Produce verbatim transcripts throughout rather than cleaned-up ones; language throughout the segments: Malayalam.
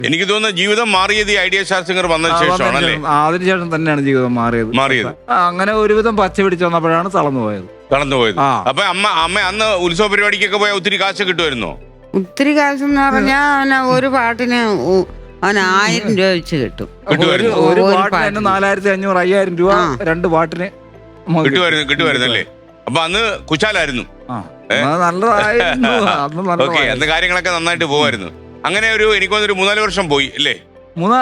എനിക്ക് തോന്നുന്നു ജീവിതം മാറിയത് ഈ ഐഡിയ സ്റ്റാർ സിംഗർ വന്നതിന് ശേഷമാണ് അല്ലേ? അതിനുശേഷം തന്നെയാണ് ജീവിതം മാറിയത്. മാറിയത് അങ്ങനെ ഒരുവിധം പച്ച പിടിച്ചു വന്നപ്പോഴാണ് തളർന്നു പോയത്. തളർന്നു പോയത്. അപ്പൊ അമ്മ അമ്മ അന്ന് ഉത്സവ പരിപാടിക്കൊക്കെ പോയാൽ ഒത്തിരി കാശ് കിട്ടുമായിരുന്നോ? ഒത്തിരി കാശ് എന്ന് പറഞ്ഞാൽ ഒരു പാട്ടിന് അവന് ആയിരം രൂപ വെച്ച് കിട്ടും. ഒരു പാട്ടിന് നാലായിരത്തി അഞ്ഞൂറ് അയ്യായിരം രൂപ രണ്ട് പാട്ടിന് കിട്ടുമായിരുന്നു കിട്ടുമായിരുന്നു അല്ലേ? അപ്പൊ അന്ന് കുശാലായിരുന്നു. നല്ലതായിരുന്നു. അന്ന് കാര്യങ്ങളൊക്കെ നന്നായിട്ട് പോവായിരുന്നു. അങ്ങനെ ഒരു എനിക്ക് തോന്നുന്നു ഒരു മൂന്നാല് വർഷം പോയി അല്ലേ? മൂന്നാ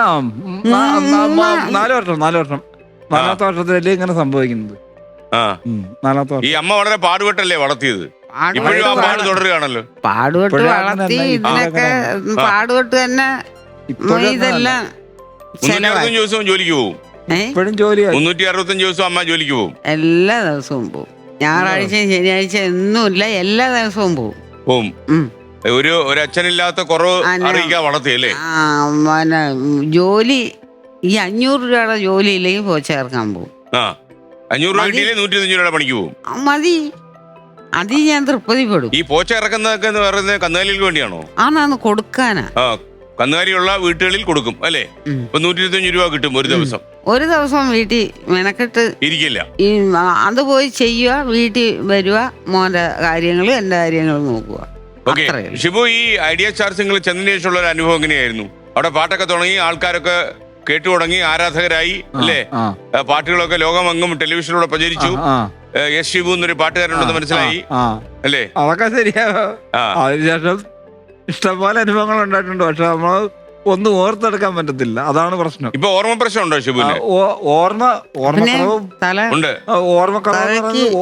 നാല് വർഷം നാല് വർഷം നാലാമത്തെ വർഷത്തിലല്ലേ ഇങ്ങനെ സംഭവിക്കുന്നത്. നാലാമത്തെ വർഷം. ഈ അമ്മ വളരെ പാടുപെട്ടല്ലേ വളർത്തിയത്? ഇപ്പോഴും ആ പാട് തുടരുകയാണല്ലോ. പാടുപെട്ട് വളർത്തി ഇതിനൊക്കെ പാടുപെട്ട് തന്നെ ഇതെല്ലാം മുന്നൂറ്റി അറുപത്തഞ്ച് ദിവസവും ജോലിക്ക് പോകും. ഇപ്പോഴും ജോലി മുന്നൂറ്റി അറുപത്തഞ്ച് ദിവസവും അമ്മ ജോലിക്ക് പോകും. എല്ലാ ദിവസവും പോകും. ഞായറാഴ്ചയും ശനിയാഴ്ച ഒന്നുമില്ല, എല്ലാ ദിവസവും പോകും പോവും. ഒരു ഒരു അച്ഛനില്ലാത്ത കുറവ് അറിയിക്കാൻ വളർത്തിയല്ലേ? പിന്നെ ജോലി ഈ അഞ്ഞൂറ് രൂപയുടെ ജോലി ഇല്ലെങ്കിൽ പോ ചേർക്കാൻ പോകും. ആ അഞ്ഞൂറ് രൂപ കിട്ടിയില്ലേ നൂറ്റി അഞ്ച് രൂപയുടെ പണിക്ക് പോകും. മതി, അത് ഞാൻ തൃപ്തിപ്പെടും. ഈ പോച്ച ഇറക്കുന്നതൊക്കെ എന്ന് പറയുന്നത് കന്നുകാലികൾക്ക് വേണ്ടിയാണോ? ആണാന്ന് കൊടുക്കാനാ. ആ കന്നുകാലിയുള്ള വീട്ടുകളിൽ കൊടുക്കും അല്ലേ? ഇപ്പൊ നൂറ്റി ഇരുപത്തഞ്ച് രൂപ കിട്ടും ഒരു ദിവസം. ഒരു ദിവസം വീട്ടിൽ മെനക്കെട്ട് ഇരിക്കില്ല. ഈ അത് പോയി ചെയ്യുക, വീട്ടിൽ വരിക, മോന്റെ കാര്യങ്ങളും എന്റെ കാര്യങ്ങളും നോക്കുക. ഓക്കെ ഷിബു, ഈ ഐഡിയ സ്റ്റാർ സിംഗിൾ ചെന്നതിന് ശേഷമുള്ള ഒരു അനുഭവം എങ്ങനെയായിരുന്നു? അവിടെ പാട്ടൊക്കെ തുടങ്ങി, ആൾക്കാരൊക്കെ കേട്ടു തുടങ്ങി, ആരാധകരായി അല്ലേ? പാട്ടുകളൊക്കെ ലോകമെങ്ങും ടെലിവിഷനിലൂടെ പ്രചരിച്ചു. എസ് ഷിബു എന്നൊരു പാട്ടുകാരുണ്ടെന്ന് മനസ്സിലായി അല്ലേ? അതൊക്കെ ശരിയാ. അതിനുശേഷം ഇഷ്ടംപോലെ അനുഭവങ്ങൾ ഉണ്ടായിട്ടുണ്ട്. പക്ഷെ നമ്മൾ ഒന്നും ഓർത്തെടുക്കാൻ പറ്റത്തില്ല, അതാണ് പ്രശ്നം. ഇപ്പൊ ഓർമ്മ പ്രശ്നം ഉണ്ടോ ഷിബുവിന്? ഓർമ്മ ഓർമ്മക്കുറവും ഉണ്ട്. ഓർമ്മക്കുറവ്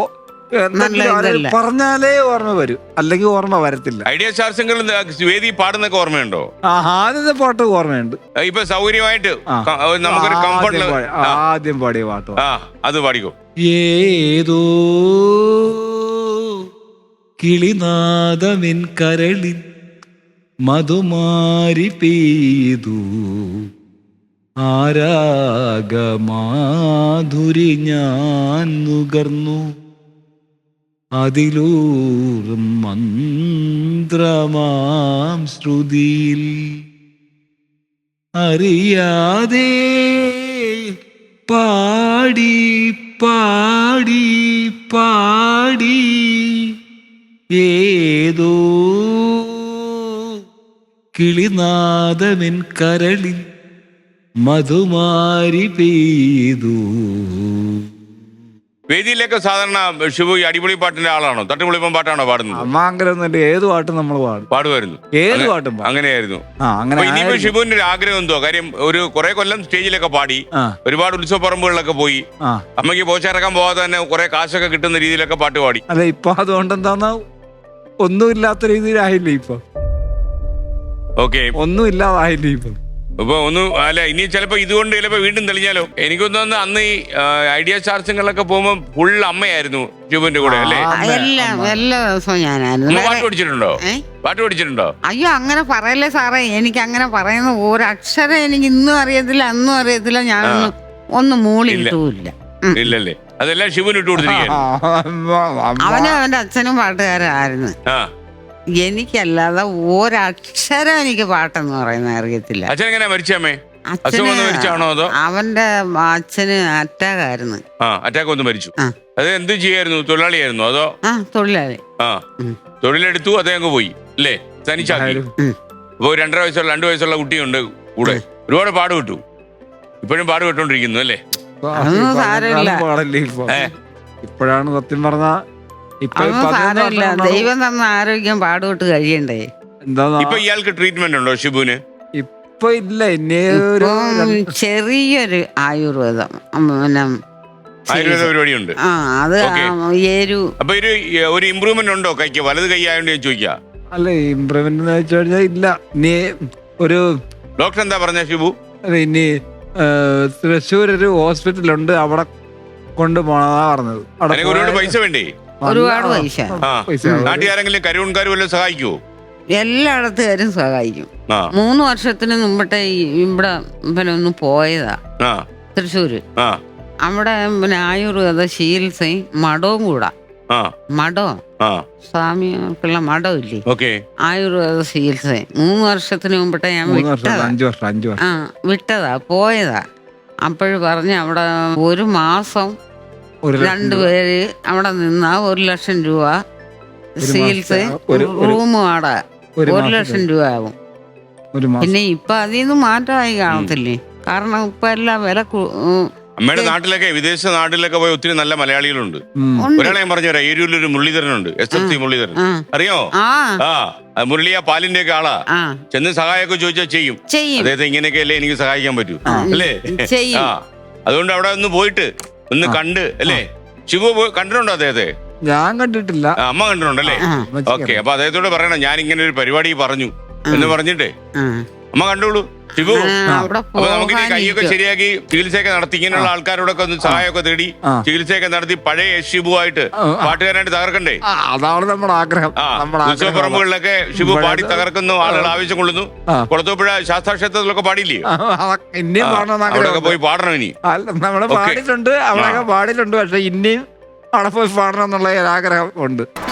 പറഞ്ഞാലേ ഓർമ്മ വരും, അല്ലെങ്കിൽ ഓർമ്മ വരത്തില്ല. ഐഡിയ സ്റ്റാർ സിംഗിൾ വേദി പാടുന്നൊക്കെ ഓർമ്മയുണ്ടോ? ആദ്യത്തെ പാട്ട് ഓർമ്മയുണ്ട്. ഇപ്പൊ സൗകര്യമായിട്ട് നമുക്കൊരു കംഫർട്ട് ആദ്യം പാടിയ പാട്ട് അത് പാടിക്കോ. ഏതോ കിളിനാദമിൻ കരളിൻ മധുമാരി പെയ്തു ആരാഗമാധുരി ഞാൻ നുകർന്നു അതിലൂറും മന്ത്രമാം ശ്രുതിയിൽ അറിയാതെ പാടി പാടി പാടി ഏതോ കിളിനാദമിൻ കരളിൽ മധുമാരി പെയ്തു. വേദിയിലൊക്കെ സാധാരണ ഷിബു ഈ അടിപൊളി പാട്ടിന്റെ ആളാണോ? തട്ടുപൊളിപ്പം പാട്ടാണോ പാടുന്നത്? അമ്മാങ്കരൊന്നുമില്ല, ഏത് പാട്ടും നമ്മൾ പാടും പാടുമായിരുന്നു. ഏത് പാട്ടും അങ്ങനെയായിരുന്നു. ഇനിയിപ്പോ ഷിബുവിന്റെ ഒരു ആഗ്രഹം എന്തോ? കാര്യം ഒരു കുറെ കൊല്ലം സ്റ്റേജിലൊക്കെ പാടി, ഒരുപാട് ഉത്സവ പറമ്പുകളിലൊക്കെ പോയി, അമ്മയ്ക്ക് പോച്ചിറക്കാൻ പോകാതെ തന്നെ കുറെ കാശൊക്കെ കിട്ടുന്ന രീതിയിലൊക്കെ പാട്ട് പാടി. അതെ, ഇപ്പൊ അതുകൊണ്ട് എന്താ ഒന്നുമില്ലാത്ത രീതിയിലായില്ലേ ഇപ്പൊ? ഓക്കെ, ഒന്നും ഇല്ലാതായില്ലേ ഇപ്പൊ? ഇപ്പൊ ഒന്നും അല്ല, ഇനി ചിലപ്പോ ഇതുകൊണ്ട് ചിലപ്പോ വീണ്ടും തെളിഞ്ഞാലോ? എനിക്കൊന്നു അന്ന് ഈ ഐഡിയ സ്റ്റാർ സിംഗറിലൊക്കെ പോകുമ്പോ ഫുൾ അമ്മയായിരുന്നു ഷിബുവിന്റെ കൂടെ അല്ലേ? എല്ലാ എല്ലാ ദിവസവും ഞാനായിരുന്നു. പാട്ട് പഠിച്ചിട്ടുണ്ടോ? പാട്ട് പഠിച്ചിട്ടുണ്ടോ? അയ്യോ, അങ്ങനെ പറയല്ലേ സാറേ. എനിക്ക് അങ്ങനെ പറയുന്ന ഒരക്ഷരം എനിക്ക് ഇന്നും അറിയത്തില്ല, അന്നും അറിയത്തില്ല. ഞാനൊന്നും ഒന്നും മൂളി ഇട്ടുമില്ല. ഇല്ലല്ലേ? അതെല്ലാം ഷിബുവിന് ഇട്ട് കൊടുത്തിരിക്കുകയാണ്. അവനും അവന്റെ അച്ഛനും പാട്ടുകാരായിരുന്നു. എനിക്കല്ലാതെ ഒരക്ഷരം എനിക്ക് പാട്ടെന്ന് പറയുന്ന അറിയത്തില്ല. അച്ഛൻ എങ്ങനെയാ മരിച്ചമ്മേ? അവന്റെ അച്ഛന് അറ്റാക്ക് ആയിരുന്നു. അറ്റാക്ക് വന്ന് മരിച്ചു. അത് എന്ത് ചെയ്യായിരുന്നു? തൊഴിലാളിയായിരുന്നു അതോ? ആ, തൊഴിലാളി. ആ, തൊഴിലെടുത്തു, അതേ അങ്ങ് പോയി അല്ലേ? തനിച്ചാക്കി. ഇപ്പൊ രണ്ടര വയസ്സുള്ള രണ്ടു വയസ്സുള്ള കുട്ടിയുണ്ട് കൂടെ. ഒരുപാട് പാട് വിട്ടു, ഇപ്പോഴും പാട് വിട്ടോണ്ടിരിക്കുന്നു അല്ലേ? ഇപ്പോഴാണ് സത്യം പറഞ്ഞ ദൈവം തന്ന ആരോഗ്യം പാടുവിട്ട് കഴിയണ്ടേ. ഇപ്പൊ ഇയാൾക്ക് ട്രീറ്റ്മെന്റ് ഉണ്ടോ ഷിബുവിന്? ഇപ്പൊ ഇല്ല, ചെറിയൊരു ആയുർവേദം പിന്നെ ആയുർവേദ പരിപാടിയുണ്ട്. ആ, അത് അപ്പൊ ഒരു ഇമ്പ്രൂവ്മെന്റ് ഉണ്ടോ കൈക്ക്? വലത് കൈ ആയതുകൊണ്ട് ഞാൻ ചോദിക്കാം. അല്ല, ഇമ്പ്രൂവ്മെന്റ് എന്ന് വെച്ച് കഴിഞ്ഞാൽ ഇല്ല. ഇനി ഒരു ഡോക്ടർ എന്താ പറഞ്ഞ ഷിബു? ഇനി തൃശ്ശൂർ ഒരു ഹോസ്പിറ്റലുണ്ട്, അവിടെ കൊണ്ടുപോണതാ പറഞ്ഞത്. ഒരുപാട് പൈസ വേണ്ടേ? ഒരുപാട് പൈസ. നാട്ടുകാരെങ്കിലും കരുവൺകാരും വല്ലതും സഹായിക്കുവോ? എല്ലായിടത്തുകാരും സഹായിക്കും. മൂന്ന് വർഷത്തിന് മുമ്പട്ടെ ഇവിടെ പിന്നെ ഒന്ന് പോയതാ തൃശ്ശൂര്. അവിടെ പിന്നെ ആയുർവേദ ചികിത്സയും മടവും കൂടാ. ആ മഠോ ആ സ്വാമിക്കുള്ള മഠം ഇല്ലേ, ഓക്കെ. ആയുർവേദ ചികിത്സ മൂന്ന് വർഷത്തിന് മുമ്പിട്ട് ഞാൻ മൂന്ന് വർഷം വിട്ടതാ. അഞ്ചു വർഷം അഞ്ചു വർഷം ആ വിട്ടതാ പോയതാ. അപ്പോഴും പറഞ്ഞ് അവിടെ ഒരു മാസം ഒരു ലക്ഷം രൂപ. രണ്ടുപേര് അവിടെ നിന്നാ ഒരു ലക്ഷം രൂപ ഒരു ചികിത്സ, മാസത്തെ ഒരു- ഒരു- റൂം വാടക ഒരു ഒരു മാസത്തെ- ലക്ഷം രൂപ ആവും. ഒരു മാസം പിന്നെ ഇപ്പൊ അതിൽ നിന്ന് മാറ്റമായി കാണത്തില്ലേ, കാരണം ഇപ്പൊ എല്ലാം വില കൂ- ഉം, അമ്മയുടെ നാട്ടിലൊക്കെ വിദേശ നാട്ടിലൊക്കെ പോയി ഒത്തിരി നല്ല മലയാളികളുണ്ട്. ഉം. ഉണ്ട്. ഒരാളെ ഞാൻ പറഞ്ഞു തരാം, ഏരൂരിലൊരു മുരളീധരനുണ്ട്, എസ് എഫ് സി മുരളീധരൻ, ആ അറിയോ? ആ ആ ആ, മുരളി ആ പാലിന്റെ ഒക്കെ ആളാ. ആ ചെന്ന് സഹായമൊക്കെ ചോദിച്ചാൽ ചെയ്യും. ചെയ്യും അദ്ദേഹത്തെ ഇങ്ങനെയൊക്കെ അല്ലേ എനിക്ക് സഹായിക്കാൻ പറ്റൂ, അല്ലേ? ചെയ്യും. ആ അതുകൊണ്ട് അവിടെ ഒന്ന് പോയിട്ട് ഒന്ന് കണ്ട്, അല്ലേ? ശിവു പോയി കണ്ടിട്ടുണ്ടോ അദ്ദേഹത്തെ? ഞാൻ കണ്ടിട്ടില്ല. ആ, അമ്മ കണ്ടിട്ടുണ്ടല്ലേ? ആ ഓക്കെ. അപ്പൊ അദ്ദേഹത്തോട് പറയണം ഞാൻ ഇങ്ങനെ ഒരു പരിപാടി പറഞ്ഞു എന്ന് പറഞ്ഞിട്ടേ ആ അമ്മ കണ്ടോളൂ. ശിവു, ആ, അവിടെ അപ്പൊ നമുക്ക് ഈ കൈയൊക്കെ പോകാനിരിക്കും. ശരിയാക്കി ചികിത്സയൊക്കെ നടത്തി ഇങ്ങനെയുള്ള ആൾക്കാരോടൊക്കെ ഒന്ന് സഹായമൊക്കെ തേടി ആ. ചികിത്സയൊക്കെ നടത്തി പഴയ ഷിബുവായിട്ട് ആ, ആ. പാട്ടുകാരനായിട്ട് തകർക്കണ്ടേ? ആ, അതാണ് നമ്മുടെ ആഗ്രഹം. ആ നമ്മുടെ ആഗ്രഹം ഉത്സവപ്പറമ്പുകളിലൊക്കെ ഷിബു ഇവിടെ പാടി തകർക്കുന്നു, ആളുകൾ ആവശ്യം കൊള്ളുന്നു. ആ. കുളത്തൂപ്പുഴ ശാസ്താക്ഷേത്രത്തിലൊക്കെ പാടില്ലേ? ആ, അതൊക്കെ ഇനിയും പാടണമെന്ന് അവിടെയൊക്കെ ആഗ്രഹം. പോയി പാടണം ഇനി. നമ്മള് ഓക്കേ. പാടിയിട്ടുണ്ട്, അവിടെയൊക്കെ പാടിയിട്ടുണ്ട്. പക്ഷെ ഇനിയും അവിടെ പോയി പാടണം എന്നുള്ള ഒരു ആഗ്രഹം ഉണ്ട്.